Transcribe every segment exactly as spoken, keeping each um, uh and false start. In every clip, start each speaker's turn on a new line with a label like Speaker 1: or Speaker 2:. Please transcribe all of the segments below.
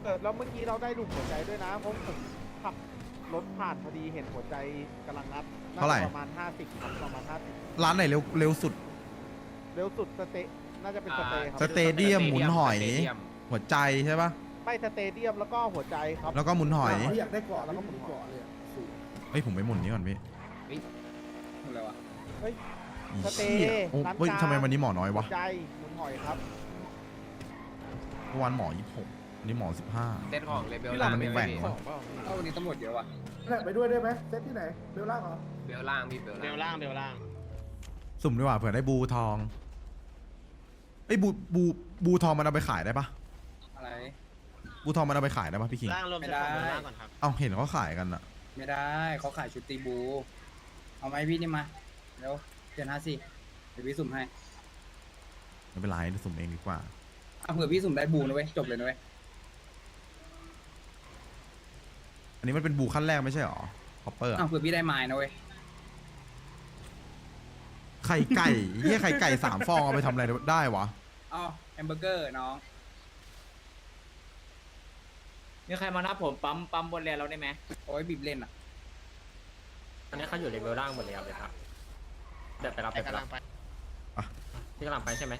Speaker 1: อแล้วเมื่อกี้เราได้ดูหัวใจด้วยนะเพราะผมขับรถผ่านพอดีเห็นหัวใจกำลังนับ
Speaker 2: เท่าไหร่
Speaker 1: ประมาณห้าสิบครับประมาณห้าสิบ
Speaker 2: ร้านไหนเร็วเร็วสุด
Speaker 1: เร็วสุดสเตน่าจะเป็นสเตย์ครับ
Speaker 2: สเตเดียมหมุนหอย หัวใจใช่ปะ
Speaker 1: ไม่สเตเดียมแล้วก็หัวใจครับ
Speaker 2: แล้วก็หมุนหอย
Speaker 3: อยากได้เกาะแล้วก็หมุนเกาะเลยอะสูง
Speaker 2: เฮ้ยผมไปหมุนนี้ก่อนพี่
Speaker 3: อะไรวะ
Speaker 1: เฮ้ย
Speaker 2: อี
Speaker 1: สเต
Speaker 2: เหี้ย
Speaker 1: ย์
Speaker 2: โอ้
Speaker 1: ร้าน
Speaker 2: เฮ้ย
Speaker 1: กลาง
Speaker 2: ทำไมวันนี้หมอน้อยวะ
Speaker 1: หัวใจหมุนหอยครับ
Speaker 2: เมื่อวานหมอยี่สิบหกวันนี้หมอสิบห้า
Speaker 4: เต้นของเลเบล
Speaker 2: พี่
Speaker 4: ล่าง
Speaker 2: มัน
Speaker 4: พี่
Speaker 2: แหว่งวะ
Speaker 3: เอ้าวันนี้ตำรวจเยอะว่ะนั่นไปด้วยได้ไหมเซตที่ไหนเบลล่างเหรอ
Speaker 4: เบลล่างพี่เบล
Speaker 5: เบล
Speaker 4: ล่าง
Speaker 5: ล่างเบลล่าง
Speaker 2: สุ่มดีกว่าเผื่อได้บูทองไอ้ยบูบูบูทองมันเอาไปขายได้ปะ
Speaker 3: อะไร
Speaker 2: บูทองมันเอาไปขายได้ปะพี่คิง
Speaker 5: ล่างรวม
Speaker 3: ไม่
Speaker 5: ใช้
Speaker 3: ได้
Speaker 5: ของเบลล่างก่อนครับ
Speaker 2: เอ้าเห็นเขาขายกันอะ
Speaker 3: ไม่ได้เขาขายชุดตีบู เอาไหมพี่นี่มาเร็วเดือนห้าสิเดี๋ยวพี่สุ่มให้
Speaker 2: ไม่เป็นไรเดี๋ยวสุ่มเองดีกว่า
Speaker 3: อ่ะเผื่อพี่สุ่มได้บูนะเว้ยจบเลยนะเว้ย
Speaker 2: อันนี้มันเป็นบูขั้นแรกไม่ใช่หรอคอปเปอร์
Speaker 3: อ่ะเผื่อพี่ได้ไม้นะเว้ย
Speaker 2: ไข่ไก่เฮียไข่ไก่สามฟองเอาไปทำอะไรได้วะ
Speaker 3: อ๋อแฮมเบอร์เกอร์น้อง
Speaker 6: มีใครมานับผมปั๊มปั๊มบนเรือเราได้ไหม
Speaker 3: โอ้ยบีบเล่นอ่ะ
Speaker 4: อันนี้เขาอยู่เลเบลล่างหมดเลยครับเลยครับเดี๋ยวไปรับ
Speaker 5: ไป
Speaker 4: ไป
Speaker 5: กำ
Speaker 4: รั
Speaker 5: ลั
Speaker 4: บ
Speaker 5: งไป
Speaker 4: พี่กำลังไปใช่ไหม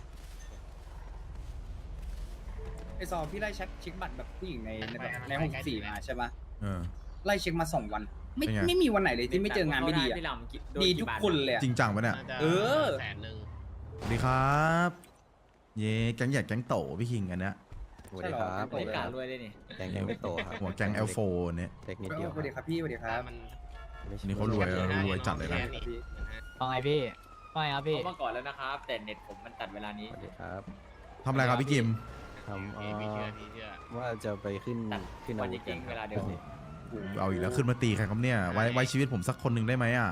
Speaker 3: ไอซอพี่ไล่เช็คเช็คบัตรแบบผู้หญิงในในแบบในหกสี่มาใช่ปะ
Speaker 2: เออ
Speaker 3: ไล่เช็คมาสองวัน ไม่
Speaker 2: เป็นไง
Speaker 3: ไม่มีวันไหนเลยที่ไม่เจองานไม่ดีอ่ะ
Speaker 6: พี่ลำกี่โน
Speaker 3: ดี
Speaker 6: กี่
Speaker 3: ทุก
Speaker 6: บาท
Speaker 3: คนเลยอะ
Speaker 2: จริงจังปะเนี่ย
Speaker 5: น่าจะ
Speaker 3: เออ
Speaker 5: แสนหนึ่ง
Speaker 2: สวัสดีครับ เย่แก๊งใหญ่แก๊งโตพี่คิงอันเนี้ย
Speaker 3: สวัสดีครับ
Speaker 6: บริการรวยด้วยนี่
Speaker 7: แกงยังไม่โตครับ
Speaker 2: หัวแก๊งเอลโฟเนี่ย
Speaker 7: เทคนิคเดียว
Speaker 3: สวัสดีครับพี่สวัสดีครับ
Speaker 5: มัน
Speaker 2: อันนี้เขารวยรวยจัดเลยนะ
Speaker 8: ว่าไงพี่ว่าไงครับพี่
Speaker 6: เขามาก่อนแล้วนะครับ แต่เน็ตผมมันตัดเวลานี้
Speaker 7: สวัสดีครับ
Speaker 2: ทำอะไรครับพี่กิม
Speaker 7: ทำเอ่
Speaker 5: พี่เชื่อ
Speaker 7: อ
Speaker 5: พี่เชื่อ
Speaker 7: ว่าจะไปขึ้น
Speaker 6: ตัด
Speaker 7: ขึ้น
Speaker 6: วั
Speaker 7: อาน วุธ
Speaker 6: จริงๆเวลาเดียว
Speaker 7: นี่
Speaker 2: เอาอีกแล้วขึ้นมาตีใครครับเนี่ยไว้ไว้ชีวิตผมสักคนหนึ่งได้ไหมอ่ะ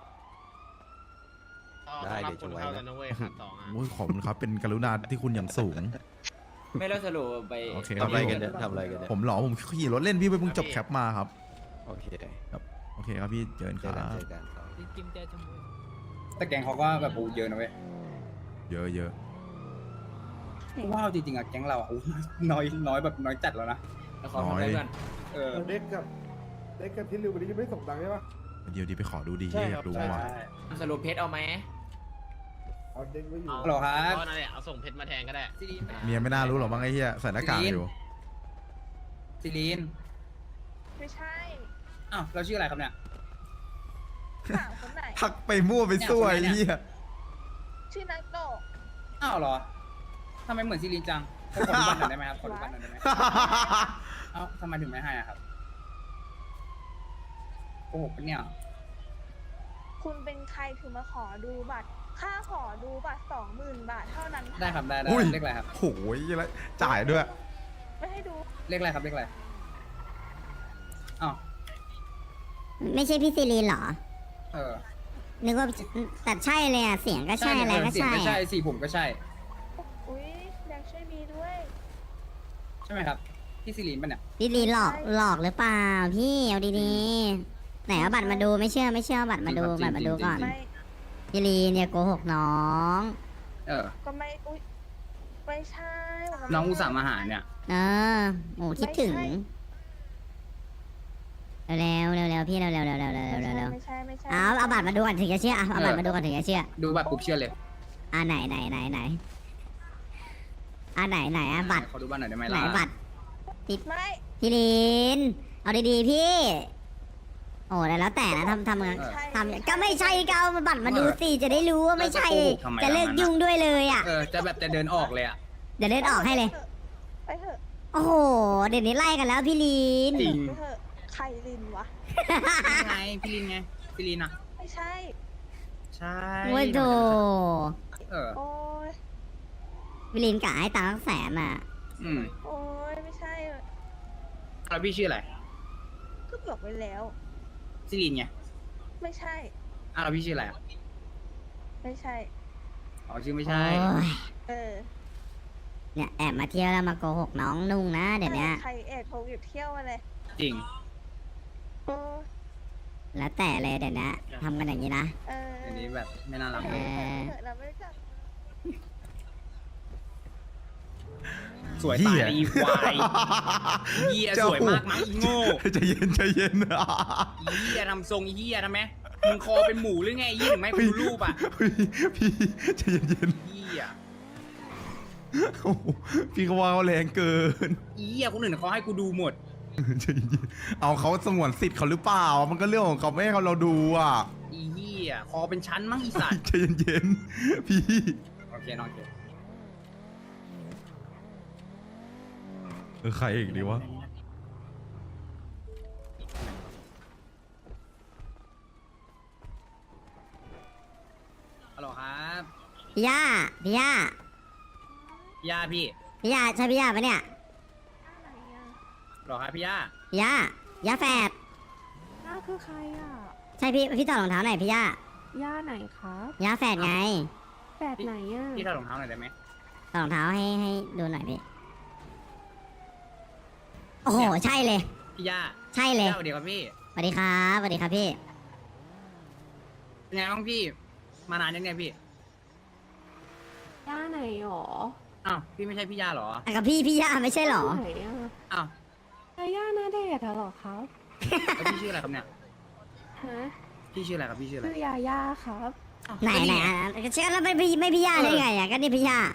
Speaker 7: ได้เดี๋ยวจะ
Speaker 5: คน
Speaker 7: ไว้
Speaker 5: เข้า
Speaker 7: นะ
Speaker 5: แล้วนะเว้ยขาดสองอ่ะ
Speaker 2: โอ้ยขอบคุณครับเป็นกรุณาที่คุณอย่างสูง
Speaker 6: ไม่แล้วสรุปไป
Speaker 2: โอเค
Speaker 7: ทำอะไรกันเนี่ยทำอะไรกันเนี่ย
Speaker 2: ผมเหรอผมขี่รถเล่นพี่ไปเพิ่งจบแคปมาครับ
Speaker 7: โอเค
Speaker 2: โอเคครับพี่เจอกัน
Speaker 7: เจ
Speaker 2: ค
Speaker 7: อ
Speaker 2: รั
Speaker 7: กัน
Speaker 2: บ
Speaker 7: เจอกันครับ
Speaker 8: พี่กิมเจอชมพู
Speaker 3: แต่แกงเขาก็แบบโอ้เยอะนะเว้ย
Speaker 2: เยอะเยอะ
Speaker 3: ว้าวจริงๆอ่ะแก๊งเราอ่ะโอ้น้อยน้อยแบบน้อยจัดแล้วนะ
Speaker 6: แล้วเขาทำอะไรกัน
Speaker 3: เออ
Speaker 9: เด็กกับเด็กกับที่ริววันนี้ยังไม่ส่งตังค์ใช่ปะ
Speaker 2: เดี๋ยวดีไปขอดูดี
Speaker 9: ใช่
Speaker 2: อ
Speaker 9: ครั
Speaker 2: ยา
Speaker 9: บ
Speaker 2: กรู้
Speaker 3: ใช่
Speaker 2: ว่า
Speaker 3: ใช่
Speaker 6: สรุปเพชรเอาไหม
Speaker 9: เอาเด็กไว้อยู่
Speaker 5: เอา
Speaker 3: ฮัลโหลครับ
Speaker 5: เอานั่นแหละเอาส่งเพชรมาแทนก็ได้
Speaker 3: ซีรีน
Speaker 2: เมียไม่น่ารู้หรอกมั้งไอ้เหี้ยใส่หน้ากากอยู่
Speaker 3: ซีรีน
Speaker 10: ไม่ใช่
Speaker 3: อ้าวเราชื่ออะไรครับเนี่ย
Speaker 10: ถามคนไหน
Speaker 2: ทักไปมั่วไปซั่วไอ้เหี้ย
Speaker 10: ชื่อนักโตะ
Speaker 3: อ้าวเหรอทำไมเหมือนซีรีนจังขอดูบัตรหน่อยได้ไหมครับขอดูบัตรหน่อยได้ไหมเอ้าทำไมถึงไม่ให้อะครับโกหกปะเนี่ย
Speaker 10: คุณเป็นใครถึงมาขอดูบัตร ค่าขอดูบัตรสองหมื่นบาทเท่านั้นค่ะ
Speaker 3: ได้ครับได้ได้
Speaker 2: อุ้ย
Speaker 3: เลขอะไรครับ
Speaker 2: โอ้ยแล้วจ่ายด้วย
Speaker 10: ไม่ให้ดู
Speaker 3: เลขอะไรครับเลขอะไรอ้าว
Speaker 11: ไม่ใช่พี่ซีรีนเหรอ
Speaker 3: เออ
Speaker 11: นึกว่าแต่ใช่เลยอ่ะ เสียงก็ใช่อะไรก็
Speaker 3: เสียง
Speaker 11: ใช่
Speaker 3: ก็ใช่
Speaker 11: อะ
Speaker 3: สีผมก็ใช่
Speaker 10: อุ้ยอยากช่วยมีด้วย
Speaker 3: ใช่ไหมครับพี่ซีรีนปะเนี่ย
Speaker 11: พี่ลีนหลอกหลอกหรือเปล่าพี่เอาดีๆไหนเอาบัตรมาดูไม่เชื่อไม่เชื่อเอาบัตรมาดู
Speaker 3: จริงครับ
Speaker 11: บัตรมาดู
Speaker 3: จริง
Speaker 11: ก่อน
Speaker 10: ไม่
Speaker 11: พี่ลีนเนี่ยโกหกน้อง
Speaker 3: เออ
Speaker 10: ก็ไม่ อุ้ยไม่ใช่ผม
Speaker 3: น้องอุตส่าห์มาหาเนี่ย
Speaker 11: เออโอ้คิดถึงเร็วๆเร็วๆพี่เร็วๆเร็วๆเร็วๆเร็วๆเร็วๆเร็ว
Speaker 10: ไม่ใช่ไม่ใช่
Speaker 11: ๆเอาเอาบัตรมาดูก่อนถึงจะเชื่อเอาเอาบัตรมาดูก่อนถึงจะเชื่อ
Speaker 3: ดูบัตรปุ๊บเชื่อเลย
Speaker 11: อ่าไหนไหนไหนไหนอ่าไหนไหนอ่ะบัตร
Speaker 3: ขอดูบัตรหน่อยได้ไหม
Speaker 11: ไหน
Speaker 3: ล่ะ
Speaker 11: บัตร
Speaker 10: ไม่
Speaker 11: พี่ลีนเอาดีๆพี่ โอ้แล้วแต่นะทำทำ
Speaker 10: ไม่
Speaker 11: งาน
Speaker 10: ใช่
Speaker 11: ทำก็ไม่ใช่ก็เอาบัตรมาดูสิจะได้รู้ว่าไม่ใช่ จะเลิกยุ่งด้วยเลยอ่ะ
Speaker 3: เออจะแบบจะเดินออกเลยอ่ะ
Speaker 11: เดี๋ยวเล่นออกให้เลย
Speaker 10: ไปเถอะ
Speaker 11: โอ้โห เดี๋ยวนี้ไล่กันแล้วพี่ลีน
Speaker 3: จริง
Speaker 10: ไปเถอะใครลินวะ
Speaker 3: นี่ไงพี่ลินไงพี่ลินอ่ะ
Speaker 10: ไม่ใช่
Speaker 3: ใช่
Speaker 11: โอ้ยโด
Speaker 3: เออ
Speaker 10: โอ้ย
Speaker 11: พี่ลีนกะให้ตังค์แสนอ่ะ
Speaker 3: อืม
Speaker 10: โอ้ยไม่ใช่
Speaker 3: แล้วพี่ชื่ออะไร
Speaker 10: ก็บอกไว้แล้ว
Speaker 3: ซิลินไง
Speaker 10: ไม่ใช่
Speaker 3: อ่ะแล้วพี่ชื่ออะไรอ่ะ
Speaker 10: ไม่ใช่
Speaker 3: อ๋อชื่อไม่ใช่
Speaker 11: โอ้ย
Speaker 10: เออ
Speaker 11: เนี่ยแอบมาเที่ยวแล้วมาโกหกน้องนุ่งนะเดี๋ยวนี้
Speaker 10: ใครแอบโทรหยุดเที่ยวมาเลย
Speaker 3: จริง
Speaker 10: โอ้
Speaker 11: แล้วแต่เลยเดี๋ยวนี้ทำกันอย่างนี้นะ
Speaker 10: เออ
Speaker 3: อันนี้แบบไม่น่ารัก
Speaker 11: เออ
Speaker 10: เราไม่รู้จัก
Speaker 3: สวยตายเลยอีควายเฮียสวยมากมั้งอีโง่
Speaker 2: ใจเย็นใจเย็น
Speaker 3: อีเฮียทำทรงอีเฮียทำไหมมึงคอเป็นหมูหรือไงอีถึงไม่กูดูรูปอ่ะ
Speaker 2: พี่พี่ใจเย็นเย็น
Speaker 3: เฮีย
Speaker 2: โอ้โหพี่ก็ว่าเขาแรงเกิน
Speaker 3: อีเฮียคนอื่นเขาให้กูดูหมด
Speaker 2: ใจเย็นเอาเขาสงวนสิทธิ์เขาหรือเปล่า มันก็เรื่องของเขาไม่ให้เขาเราดูอ่ะ
Speaker 3: อีเฮียคอเป็นชั้นมั้งอีสัตว์
Speaker 2: ใจเย็นๆพี่
Speaker 3: โอเคนอนเถอะ
Speaker 2: เออใครอีกดีวะ
Speaker 3: ฮัลโหลครับ
Speaker 11: พี่ย่าพี่ย่า
Speaker 3: พี่ย่าพี่
Speaker 11: พี่ย่าใช่พี่ย่าปะเนี่ย
Speaker 3: ฮัลโหลครับพี่ย่า
Speaker 11: พี่ย่าย่าแฝด
Speaker 10: ย่าคือใครอ่ะ
Speaker 11: ใช่พี่พี่ถอดรองเท้าหน่อยพี่ย่า
Speaker 10: ย่าไหนครับ
Speaker 11: ย่าแฝดไง
Speaker 10: แปดไหนอ่ะ
Speaker 3: พี่ถอดรองเท้าหน่อยได้ไหม
Speaker 11: ถอดรองเท้าให้ให้ดูหน่อยพี่โอ้โหใช่เลย
Speaker 3: พี่ย่า
Speaker 11: ใช่เล
Speaker 3: พี่
Speaker 11: ย
Speaker 3: ย่าสวัสดีครับพี่
Speaker 11: สวัสดีครับสวัสดีครับพี่
Speaker 3: เป็นไงบ้างพี่ มานานยังไงพี่
Speaker 10: ย่าไหนหรอ
Speaker 3: อ้าวพี่ไม่ใช่พี่ย่าเหรอ
Speaker 11: อ่ะกับพี่พี่ย่าไม่ใช่เหรอ
Speaker 10: ไหนอ่ะ
Speaker 3: อ้าว
Speaker 10: ย่าหน้าเดทเหรอครับ
Speaker 3: แล้วพี่ชื่ออะไรครับเนี่ย
Speaker 10: ฮะ
Speaker 3: พี่ชื่ออะไรครับพี่ชื่ออะไร
Speaker 10: ชื่อยาย่าครับ
Speaker 3: อ้าว
Speaker 11: ไหนไหนอ่ะเชื่อแล้วไม่พี่ไม่พี่ย่าได้ไงอ่ะก็นี่พี่ย่า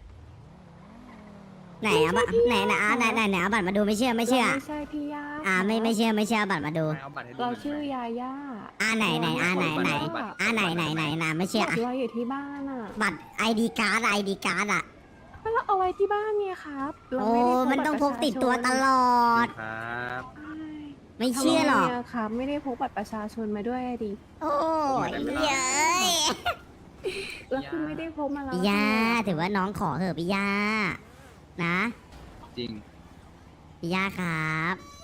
Speaker 11: ไหนอ่ะบะไหนไหนอ่ะไหนไหนไหนเอาบัตรมาดูไม่เชื่อไม่เชื่อ
Speaker 10: ไม่ใช่พี่ย่า
Speaker 11: อ่าไม่ไม่เชื่อไม่เชื่อเอาบัตรมาดู
Speaker 3: เอาบัตรให้ดู
Speaker 10: เรา
Speaker 3: หน่อย
Speaker 10: ชื่อยาย่า
Speaker 11: อ่าไหนไหนอ่าไหนไหนอ่าไหนไหนไหนไหนไม่เชื่อ
Speaker 10: บัต
Speaker 11: อ่ะ
Speaker 10: รเราอยู่ที่บ้านอ่ะ
Speaker 11: บัตรไอดีการ์ดไอดีการ์ดอ่ะ
Speaker 10: เราเอาไว้ที่บ้านเนี่ยครับเรา
Speaker 11: โอ้
Speaker 10: ไม่ได้พก
Speaker 11: มันต้องพกติดตัวตลอด
Speaker 3: ครับ
Speaker 10: ใช่
Speaker 11: ไม่เชื่อหรอก
Speaker 10: ทำไมะครับ ไม่ได้พกบัตรประชาชนมาด้วยอะดิ
Speaker 11: โอ้ยเย้ย
Speaker 10: แล้วคือไม่ได้พกมาแล้ว
Speaker 11: พี่ย่าถือว่าน้องขอเถอะพี่ย่านะ
Speaker 3: จริง
Speaker 11: พี่ย่าครับ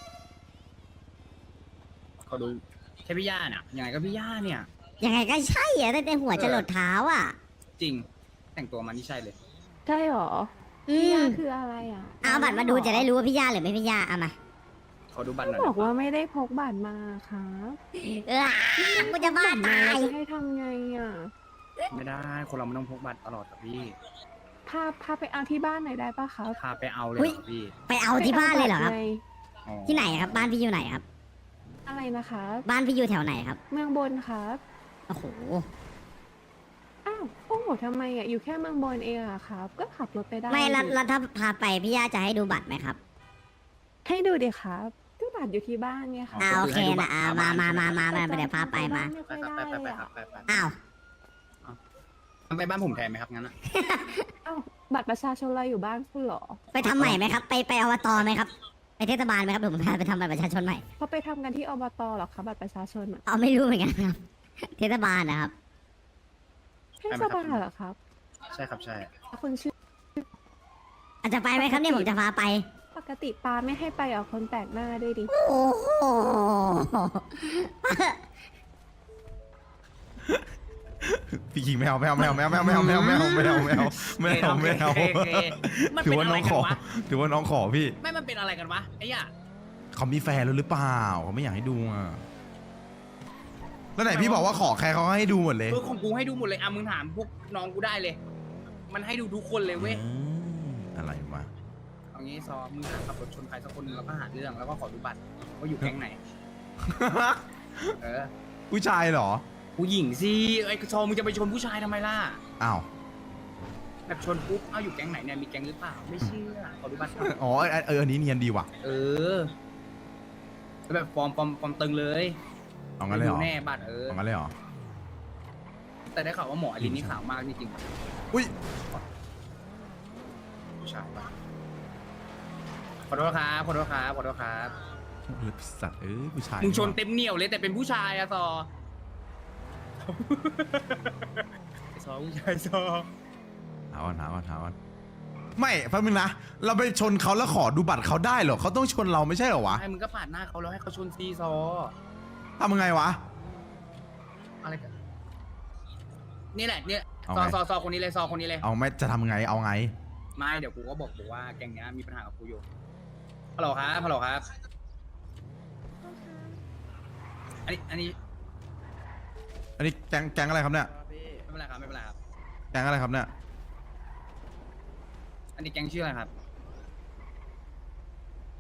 Speaker 3: เขาดูแค่พี่ย่าเนี่ยยังไงก็พี่ย่าเนี่ย
Speaker 11: ยังไงก็ใช่อะตั้งแต่หัวจรดเท้าอ่ะ
Speaker 3: จริง แต่งตัวมันนี่ใช่เลย
Speaker 10: ใช่หรอ
Speaker 11: อื
Speaker 10: พี่ยาม คืออะไรอ่ะ
Speaker 11: เอาบัตรมาดูจะได้รู้ว่าพี่ย่าหรือไม่พี่ย่าเอามา
Speaker 3: เขาดูบัตรหน่อย
Speaker 10: บอกว่าไม่ได้พกบัตรมาครับ
Speaker 11: เออกูจะบ้าตาย
Speaker 10: จะให้ทำไงอ่ะ
Speaker 3: ไม่ได้ คนเราไม่ต้องพกบัตรตลอดครับพี่
Speaker 10: พาพาไปเอาที่บ้านหน่อยได้ปะครับ
Speaker 3: พาไปเอาเลย
Speaker 11: อุ๊ย
Speaker 3: ครับพี่
Speaker 11: ไปเอาที่บ้านเลยเหรอครับ
Speaker 10: ไปาตไง
Speaker 3: อ๋อ
Speaker 11: ที่ไหนครับ บ้านพี่อยู่ไหนครับ
Speaker 10: อะไรนะคะ
Speaker 11: บ้านพี่อยู่แถวไหนครับ
Speaker 10: เมืองบนครับ
Speaker 11: โอ้โห
Speaker 10: อ้าวโอ้โหทำไมอ่ะอยู่แค่เมืองบนเองอะครับ ก็ขับรถไปได้
Speaker 11: ไม่แล้ว
Speaker 10: ดิ
Speaker 11: แล้วถ้าพาไปพี่ย่าจะให้ดูบัตรไหมครับ
Speaker 10: ให้ดูดิครับก็บัตรอยู่ที่บ้านไงค่ะ
Speaker 11: อ่าโอเคนะอ่ามามามามามาเดี๋ยวพาไปมา
Speaker 10: ไม่
Speaker 3: ไป
Speaker 10: ค่อย
Speaker 3: ครับ
Speaker 10: ได้
Speaker 3: ไปไป
Speaker 10: เลย
Speaker 3: ไปครั
Speaker 10: อะ
Speaker 3: บไปไป
Speaker 11: อ้าว
Speaker 3: ไปบ้านผมแทนไหมครับงั้นอะ
Speaker 10: อ้าวบัตรประชาชนเราอยู่บ้านคุณเหรอ
Speaker 11: ไปทำใหม่ไหมครับ ไปไปอบตไหมครับ ไปเทศบาลไหมครับเดี๋ยวผมพาไปทำบัตรประชาชนใหม่
Speaker 10: เขาไปทำกันที่อบตเหรอคะบัตรประชาชนอะ
Speaker 11: เอาไม่รู้เหมือนกันครับ เทศบาลนะครับ
Speaker 10: เทศบาลเหรอครับ
Speaker 3: ใช่ครับใช่
Speaker 10: คุณชื่อ
Speaker 11: อาจจะไปไหมครับเนี่ยผมจะพาไป
Speaker 10: ปกติปาไม่ให้ไปเอาคนแปลกหน้าด้วยดิ
Speaker 11: โอ้โห
Speaker 2: พี่คิงไม่เอาไม่เอาไม่เอาไม่เอาไม่เอาไม่เอาไม่เอาไม่เอาไม่เอาไม่เอาไม่เอา
Speaker 3: โอเคโอเคมัน
Speaker 2: ถื
Speaker 3: เป็
Speaker 2: อน ว่า
Speaker 3: อะ
Speaker 2: น้
Speaker 3: ไร
Speaker 2: อง
Speaker 3: กั
Speaker 2: ข
Speaker 3: น
Speaker 2: อ
Speaker 3: วะ
Speaker 2: ถือว่าน้องขอพี่
Speaker 3: ไม่มันเป็นอะไรกันวะไอ้ย่า
Speaker 2: เขามีแฟนแล้วหรือเปล่าเขาไม่อยากให้ดูอ่ะแล้วไหนพี่บอกว่าขอใครเขาก็ให้ดูหมดเลย
Speaker 3: เออของกูให้ดูหมดเลยอ่ะมึงถามพวกน้องกูได้เลย มันให้ดูทุกคนเลยเว้ย
Speaker 2: อืมอะไรวะ
Speaker 3: เอางี้ซอมึงหาขับรถชนใครสักคนหนึงแล้วก็หาเรื่องแล้วก็ขอดูบัตรว่าอยู่แก๊งไหน เออ
Speaker 2: ผู้ชายเหรอ
Speaker 3: ผู้หญิงสิไอ้ซอมึงจะไปชนผู้ชายทำไมล่ะ
Speaker 2: อ้าว
Speaker 3: แบบชนปุ๊บเอาอยู่แก๊งไหนเนี่ยมีแก๊งหรือเปล่าไม่เชื่อขอดูบัตรหน่อย
Speaker 2: อ๋อเออเอออันนี้เนียนดีว่ะ
Speaker 3: เออแล้วแบบฟอร์มฟอร์มฟอร์มตึงเลย
Speaker 2: เอางั้นเลยเหรอ
Speaker 3: ดูแน่บัตรเออ
Speaker 2: เอางั้นเลยเหรอ
Speaker 3: แต่ได้ข่าวว่าหมออลินนี่ขาวมากจริง
Speaker 2: อุ้ย
Speaker 3: ๆผู้ชายปะขอโทษครับขอโทษครับขอโทษครับ
Speaker 2: เลือสัตว์เอ้ยผู้ชาย
Speaker 3: มึงชนเต็มเหนียวเลยแต่เป็นผู้ชายอะซอ ไอ้ซอผู้ชายซอ
Speaker 2: ถามก่อนถามก่อนถามก่อนไม่แป๊บนึงนะเราไปชนเขาแล้วขอดูบัตรเขาได้เหรอเขาต้องชนเราไม่ใช่เหรอวะ
Speaker 3: ไอ้มึงก็ปาดหน้าเขาแล้วให้เขาชนซีซอ
Speaker 2: ทำยังไงวะ
Speaker 3: อะไรกันนี่แหละเนี่ย
Speaker 2: เอา
Speaker 3: ซอ
Speaker 2: ไง
Speaker 3: ซอซอคนนี้เลยซอคนนี้เลย
Speaker 2: เอาไม่จะทำยังไงเอาไง
Speaker 3: ไม่เดี๋ยวกูก็บอกกูว่าแกงเนี้ยมีปัญหากับกูอยู่ฮัลโหลครับฮัลโหลครับอันนี้อันนี้
Speaker 2: อันนี้แก๊งแก๊งอะไรครับเนี่ย
Speaker 3: ไม่เป็นไรครับไม่เป็นไรครับ
Speaker 2: แก๊งอะไรครับเนี่ย
Speaker 3: อันนี้แกงชื่ออะไรครับ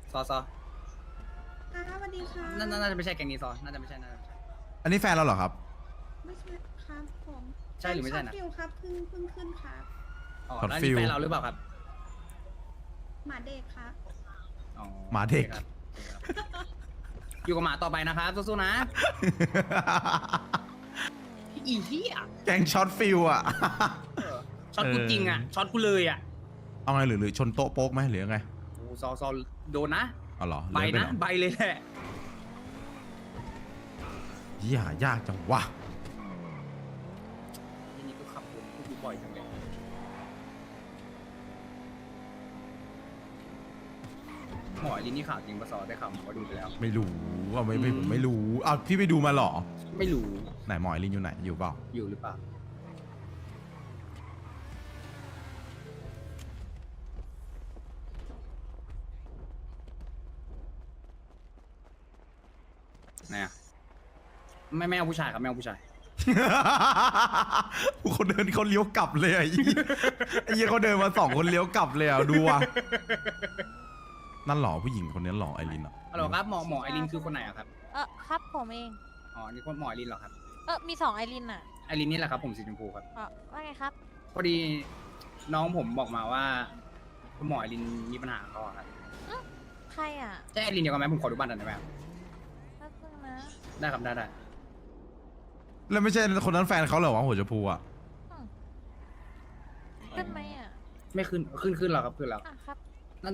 Speaker 3: ซอซอ
Speaker 10: ค่ะสวัสดีค่ะ
Speaker 3: น่าน่าจะไม่ใช่แกงนี้ซอน่าจะไม่ใช่น่าจะไม่ใช่
Speaker 2: อันนี้แฟนเราเหรอครับ
Speaker 10: ไม่ใช่ครับผม
Speaker 3: ใช่หรือไม่ใช่นะ
Speaker 10: ฟิวครับเพิ่งเพิ่งขึ้นครับ
Speaker 3: อ๋อ
Speaker 2: ช็อต
Speaker 3: แล้ว
Speaker 2: ฟิ
Speaker 3: นี่
Speaker 2: ล
Speaker 3: แฟนเราหรือเปล่าครับ
Speaker 10: หมาเด็กครับ
Speaker 3: อ๋อ
Speaker 2: หมาเด็ก
Speaker 3: โอคครับอยู่กับหมาต่อไปนะครับสู้ๆนะอีเหี้ย
Speaker 2: แกงช็อตฟิลอ่ะ
Speaker 3: ช็อตกู
Speaker 2: เออ
Speaker 3: จริงอ่ะช็อตกูเลยอ่ะ
Speaker 2: เอาไงหรือหรือชนโต๊ะโป๊กไหมหรือยังไง
Speaker 3: โอ้ซอซอโดนนะ
Speaker 2: เอาเหรอ
Speaker 3: ใบ
Speaker 2: เลื่อ
Speaker 3: นะ
Speaker 2: ไปเหรอ
Speaker 3: ใบเลยแหละ
Speaker 2: เหี้ยยากจังวะ
Speaker 3: ทีนี้ก็ขับผมกูดูบ่อยจังเลยหมอลินนี่ข่าวจริงปะซอได้ข่าวหมอก็ดูไปแล้ว
Speaker 2: ไม่รู้ว่าไม่ไม่
Speaker 3: อืม
Speaker 2: ผมไม่รู้อ้าวพี่ไปดูมาเหรอ
Speaker 3: ไม่รู้
Speaker 2: ไหนหมอยลินอยู่ไหนอยู่เปล่า
Speaker 3: อยู่หรือเปล่าไหนอะไม่ไม่เอาผู้ชายครับไม่เอาผู้ชาย
Speaker 2: คนเดินเขาเลี้ยวกลับเลยอ่ะไอ้เหี้ยไอ้เหี้ยเขาเดินมาสองคนเลี้ยวกลับเลยอ่ะดูอ่ะนั่นหรอผู้หญิงคนนี้หรอไอรินอ่ะ
Speaker 3: ฮัลโหลครับหมอหมอไอรินคือคนไหนอะครับ
Speaker 12: เออครับผมเอง
Speaker 3: อ๋อนี่คนหมอไอรินเหรอครับ
Speaker 12: เออมีสองไอรินอ่ะ
Speaker 3: ไอรินนี่แหละครับผมสีชมพูครับ
Speaker 12: เออว่าไงครับ
Speaker 3: พอดีน้องผมบอกมาว่าคุณหมอไอรินมีปัญหากับเขาอะครับ
Speaker 12: ใครอ่ะ
Speaker 3: ใช่ไอรินเดียวกันไหมผมขอดูบัตรหน่อยได้ไหมครับ
Speaker 12: แป๊บนึงนะ
Speaker 3: ได้ครับได้ได้
Speaker 2: แล้วไม่ใช่คนนั้นแฟนเขาเหรอวะหัวชมพูอ่ะ
Speaker 12: อืมขึ้นไหมอ่ะ
Speaker 3: ไม่ขึ้นขึ้นขึ้นแล้วครับขึ้นแล้ว
Speaker 12: อ่ะครับ
Speaker 3: นั่น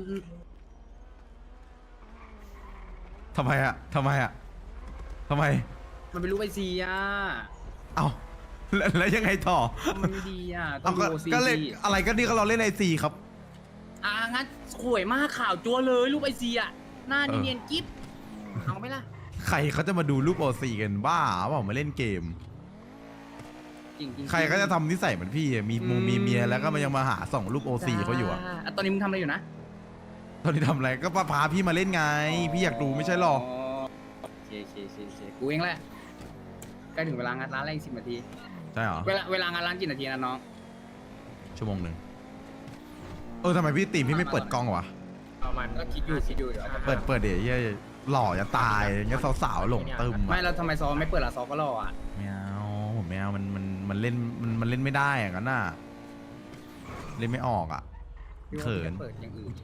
Speaker 2: ทำไมอ่ะทำไมอ่ะทำไม
Speaker 3: มันเป็นรูปไอซีอ่ะ
Speaker 2: เอ้าแล้วแล้วยังไงต่อ
Speaker 3: มันไม่ดีอ่ะต้อ
Speaker 2: เอา
Speaker 3: ง
Speaker 2: ก็
Speaker 3: ดูโอซี
Speaker 2: ก็เล่นอะไรก็นี่ก็เราเล่นไอซีครับ
Speaker 3: อ่ะงั้นสวยมากข่าวจัวเลยรูปไอซีอ่ะหน้า
Speaker 2: เออ
Speaker 3: เนียนๆกิ๊บเอาไหมล่ะ
Speaker 2: ใครเขาจะมาดูรูปโอซีกันบ้าเปล่ามาเล่นเกม
Speaker 3: จริงจริง
Speaker 2: ใครก็จะทำนิสัยเหมือนพี่อะมีมูมีเมียแล้วก็มายังมาหาส่องรูปโอซีเขาอยู่อ่ะ
Speaker 3: ะตอนนี้มึงทำอะไรอยู่นะ
Speaker 2: ตอนนี้ทำอะไรก็พาพี่มาเล่นไง พี่อยากดูไม่ใช่หรอ
Speaker 3: โอเคโอเคโอเคโอเคกูเองแหละใกล้ถึงเวลางานร้านแล้วอีกสิบนาที
Speaker 2: ใช่เหรอ
Speaker 3: เวลาเวลางานร้านกี่นาทีนะน้อง
Speaker 2: ชั่วโมงหนึ่งเออทำไมพี่ตีมพี่ไม่เปิดกล้องวะ
Speaker 4: ประมาณ
Speaker 3: ก็คิดอยู่คิดอยู่เดี๋ยว
Speaker 2: เปิดเปิดเดี๋ยวเหี้ยหล่อจะตายอย่างเงี้ยสาวๆหลงตึม
Speaker 3: ไม่
Speaker 2: อะ
Speaker 3: แล้วทำไมซอไม่เปิดละซอก็รออ่ะ
Speaker 2: ไม่เอาผมไม่เอามันมันมันเล่นมันมันเล่นไม่ได้อย่างนั้นน่ะเล่นไม่ออกอ่ะ
Speaker 3: พี่ว่า
Speaker 2: เขิน
Speaker 3: พี่จะเปิดอย่างอื่น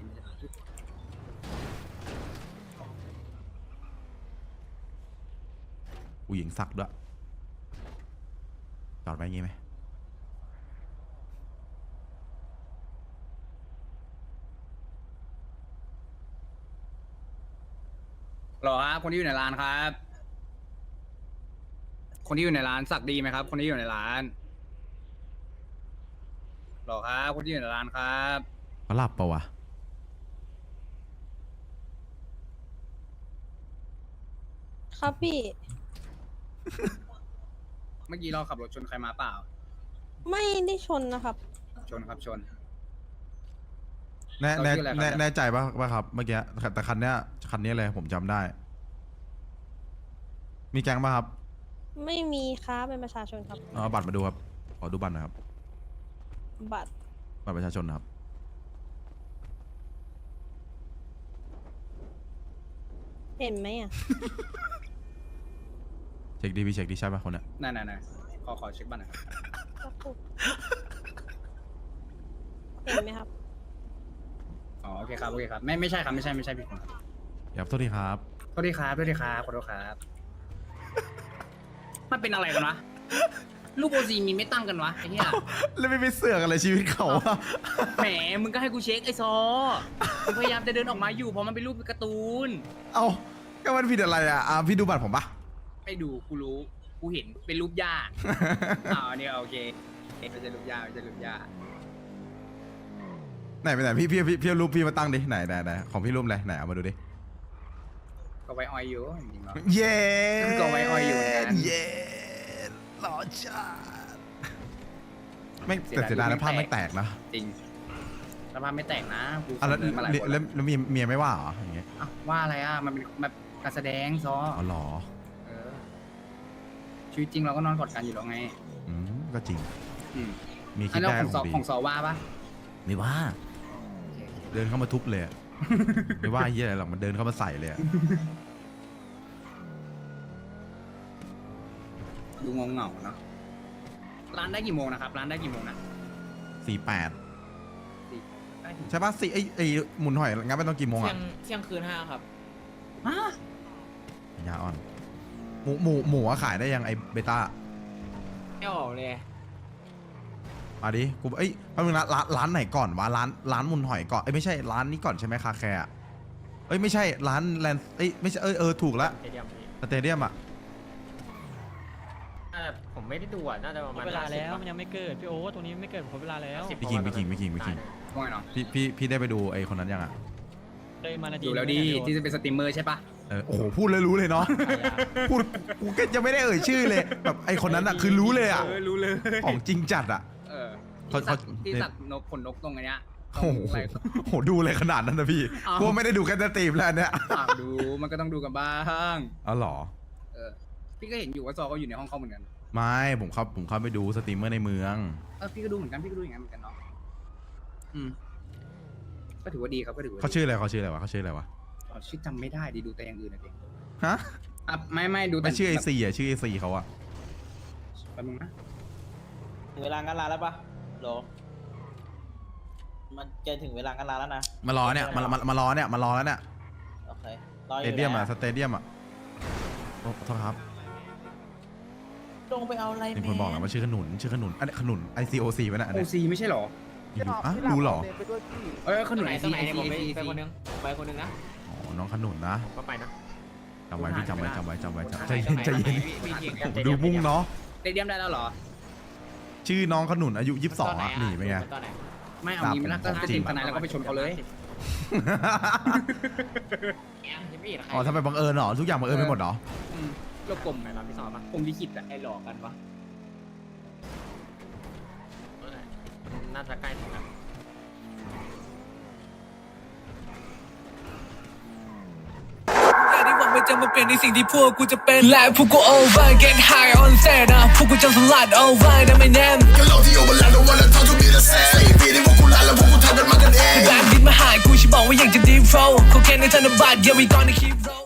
Speaker 2: ผู้หญิงสักด้วยจอดไว้อย่างงี้ไหม
Speaker 3: หรอครับคนที่อยู่ในร้านครับ คนที่อยู่ในร้านสักดีไหมครับ คนที่อยู่ในร้านหรอครับคนที่อยู่ในร้านครับ
Speaker 2: เขาหลับปะวะ
Speaker 12: ครับพี่
Speaker 3: เมื่อกี้เราขับรถชนใครมาเปล่า
Speaker 12: ไม่ได้ชนนะครับ
Speaker 3: ชนครับชน
Speaker 2: แน่
Speaker 3: เขา
Speaker 2: แน่
Speaker 3: ชื่ออะไรครับ
Speaker 2: แน่
Speaker 3: เนี่ย
Speaker 2: แน่ใจปะว่าครับเมื่อกี้แต่คันเนี้ยคันนี้เลยผมจำได้ มีแก๊งปะครับ
Speaker 12: ไม่มีครับเป็นประชาชนครับ
Speaker 2: เอาบัตรมาดูครับขอดูบัตรหนะครับ
Speaker 12: บัตร
Speaker 2: บัตรประชาชนนะครับ
Speaker 12: เห็นไหมอ่ะ
Speaker 2: เช็คดีพี่เช็คดีใช่ปะคนเนี้ย
Speaker 3: นั่นนั่นขอขอเช็คบัตรหน่อยครับ
Speaker 12: เห็นไหมครับ
Speaker 3: อ๋อโอเคครับโอเคครับไม่ไม่ใช่ครับไม่ใช่ไม่ใช่พี่ผมครับ
Speaker 2: ครับโทษทีครับ
Speaker 3: โทษทีครับโทษทีครับขอโทษครับมันเป็นอะไรกันวะรูปโอซีมีไม่ตั้งกันวะไอ้เหี้ย
Speaker 2: แล้วไม่ไปเสือกอะไรชีวิตเขาอะ
Speaker 3: แหมมึงก็ให้กูเช็คไอ้ซอมึงพยายามจะเดินออกมาอยู่เพราะมันเป็นรูปการ์ตูน
Speaker 2: เอาก็มันผิดอะไรอ่ะอ่ะพี่ดูบัตรผมปะ
Speaker 3: ไม่ดูกูรู้กูเห็นเป็นรูปย่าอ๋อเนี่ยโอเคไม่ใช่รูปย่าไม่ใช่รูปย่า
Speaker 2: ไหนไปไหนพี่พี่พี่พี่เอารูปพี่มาตั้งดิไหนไหนไหนของพี่รูปอะไรไหนเอามาดูดิ
Speaker 3: ก็ไว้ออยอยู่จริงๆแล้ว
Speaker 2: เย้
Speaker 3: ก็ไว้ออยอยู่เหมือนกัน
Speaker 2: เย้หล่อจัดไม่แต่เสียดายนะภาพไม่แตกนะ
Speaker 3: จริงสภาพไม่แตกนะกู
Speaker 2: อ่ะแล้ว
Speaker 3: เสนอมาหลายคน
Speaker 2: แล้
Speaker 3: แล้ว ว
Speaker 2: แล้วเมียเมียไม่ว่าเหรออย่างเงี้ย
Speaker 3: อ้าวว่าอะไรอ่ะมันเป็นแบบการแสดงซอ
Speaker 2: อ๋อเหรอ
Speaker 3: เออชีวิตจริงเราก็นอนกอดกันอยู่แล้วไง
Speaker 2: อืมก็จริง
Speaker 3: อืม
Speaker 2: มีคิ
Speaker 3: อั
Speaker 2: ด
Speaker 3: นนั้น
Speaker 2: ได้
Speaker 3: ของ
Speaker 2: ข
Speaker 3: ซอ
Speaker 2: องดี
Speaker 3: ของซอว่าปะ
Speaker 2: ไม่ว่า เดินเข้ามาทุบเลยอะไม่ว่าเฮียอะไรหรอกมันเดินเข้ามาใส่เลยอะ
Speaker 3: ดูงงเหงาๆเนาะร้านได้กี่โมงนะครับร้านได้กี่โมงนะ
Speaker 2: สี่แปด
Speaker 3: ได้ถึง
Speaker 2: ใช่ปะสี่ไอไอหมุนหอยงั้นไม่ต้องกี่โมง
Speaker 6: เที่ย
Speaker 2: อะ
Speaker 6: งเที่ยงคืนห้าครับ
Speaker 3: ฮะ
Speaker 2: ยาอ่อนหมูหมูหมูอะขายได้ยังไอเบต้า
Speaker 6: ไม่ออกเลย
Speaker 2: มาดิกูเอ้ยแป๊บนึงนะร้านร้านไหนก่อนวะร้านร้านหมุนหอยก่อนเอ้ยไม่ใช่ร้านนี้ก่อนใช่ไหมคาแคร์อะเอ้ยไม่ใช่ร้านแลนเอ้ยไม่ใช่เออเออถูกแล้ว
Speaker 4: สเตเดียมพี่
Speaker 2: สเตเดียมอะ
Speaker 4: น่าจะผมไม่ได้ดูอ่ะน่าจะประมาณ
Speaker 8: เวลาแล้ว
Speaker 4: ห้
Speaker 8: มันยังไม่เกิด พี่โอ้ตรงนี้ไม่เกิดผมเวลาแล้ว
Speaker 4: สิบ
Speaker 2: พี่คิงพี่คิงพี่คิงพี่คิง
Speaker 3: ว่าไงเนาะ
Speaker 2: พี่พี่พี่ได้ไปดูไอคนนั้นยังอะ
Speaker 8: เลยมานาที
Speaker 3: ดูแล้วดีที่จะเป็นสตรีมเมอร์ใช่ปะ
Speaker 2: เออโอ้โหพูดเลยรู้เลยเนาะพูดกูก็จะไม่ได้เอ่ยชื่อเลยแบบไอคนนั้นอะคือรู้เลยอะ
Speaker 3: เออรู้เลย
Speaker 2: ของจริงจัดอะ
Speaker 3: เออ
Speaker 2: เขา
Speaker 3: ที่สัตว์
Speaker 2: เขา
Speaker 3: ที่สัตว์นกขนนกตรงอันเนี้ย
Speaker 2: โอ้โหโหดูเลยขนาดนั้นนะพี่
Speaker 3: อ้าว
Speaker 2: กูไม่ได้ดูแค่สตรีมแล้วอันเนี่ย
Speaker 3: ฝากดูมันก็ต้องดูกันบ้าง
Speaker 2: อ๋อเหรอ
Speaker 3: เออพี่ก็เห็นอยู่ว่าซอก็อยู่ในห้องเขาเหมือนกัน
Speaker 2: ไม่ผมเข้าผมเข้าไปดูสตรีมเมอร์ในเมือง
Speaker 3: เออพี่ก็ดูเหมือนกันพี่ก็ดูอย่างนั้นเหมือนกันเนาะอืมก็ถือว่าดีครับก็ถือว่าดี
Speaker 2: เขาชื่ออะไรเขาชื่ออะไรวะเขาชื่ออะไรวะ
Speaker 3: อ๋อชื่อจำไม่ได้ดีดูแต่อย่างอื่นนะเด็ก
Speaker 2: ฮะ
Speaker 3: อ่ะไม่ไม่ดูแต่
Speaker 2: ไม่ชื่อไอซีอะชื่อไอซีเขาอะ
Speaker 3: แป๊บนึงนะ
Speaker 6: ถึงเวลางานลาแล้วปะโหลมันจะถึงเวลางานลาแล้วนะ
Speaker 2: มารอเนี่ยมามามารอเนี่ยมารอแล้วเนี่ย
Speaker 6: โอเครอ
Speaker 2: ส
Speaker 6: อ
Speaker 2: เต
Speaker 6: ยู่
Speaker 2: เดียมอะ
Speaker 6: แล้ว
Speaker 2: สเตเดียมอะโอ้โทษครับ
Speaker 6: ลงไปเอาอะไร
Speaker 2: มีคนบอกนะว่าชื่อขนุนชื่อขนุนอันนี้ขนุน ไอซีโอซีไว้นะอัน
Speaker 3: โอ
Speaker 2: เนี้ย
Speaker 3: ซีไม่ใช่เหรอ
Speaker 2: อยู่ๆอ่ะ
Speaker 1: พี่หลับ
Speaker 2: รู้เหรอ
Speaker 1: เดินไปด้วยพี่
Speaker 3: เอ้ยขนุน
Speaker 6: ไหน
Speaker 3: ไอ
Speaker 6: ตร
Speaker 3: ซี
Speaker 6: งไหน
Speaker 3: ไอ
Speaker 6: เนี่ย
Speaker 3: ซี
Speaker 6: ผมไป
Speaker 3: ไอซี
Speaker 6: ไปคนนึงไปคนนึงนะ
Speaker 2: อ๋อน้องขนุนนะ
Speaker 4: ผมก็ไปนะ
Speaker 2: จำไว้พี่จำไว้จำไว้จำไว้จำใจ
Speaker 3: ตรง
Speaker 2: เย็น
Speaker 3: ไหน
Speaker 2: ใจเย็น
Speaker 3: พี่พี่พี่
Speaker 2: โอ้โหดูมุ่งเนาะ
Speaker 3: เตเดียมได้แล้วเหรอ
Speaker 2: ชื่อน้องขนุนอายุยี่สิบสองอะหนีไปไง
Speaker 6: ตอนไหน
Speaker 3: ไม่เอางี้ไม่ละก็จะ
Speaker 2: จริ
Speaker 3: ที
Speaker 2: ง
Speaker 3: มทนายแล้วก็ไปชนเขาเลย
Speaker 6: ยังไม่เห็นใคร
Speaker 2: อ๋อทำไมบังเอิญเหรอทุกอย่างบังเอิญไปหมดเหรอ
Speaker 3: อืมโลกกลม
Speaker 4: ไปรับพี่ซอปะ
Speaker 3: กลมลิขิตอะ
Speaker 6: ไอ้หลอกกันวะ
Speaker 4: เออน่าจะใกล้ถึงแล้ว
Speaker 8: ที่หวังว่าจะมาเปลี่ยนในสิ่งที่พวกกูจะเป็นและพวกกู over get high on set นะพวกกูจะสลัด over นะไม่แน่ก็เราที่ over แล้ววันละเท่าทุกปีละแสนสี่ปีที่พวกกูลาแล้วพวกกูทำกันมากันเองแบงค์ดินมาหากูฉันบอกว่าอยากจะ deep flow เขาแค่ในธนบัตร yeah we gonna keep roll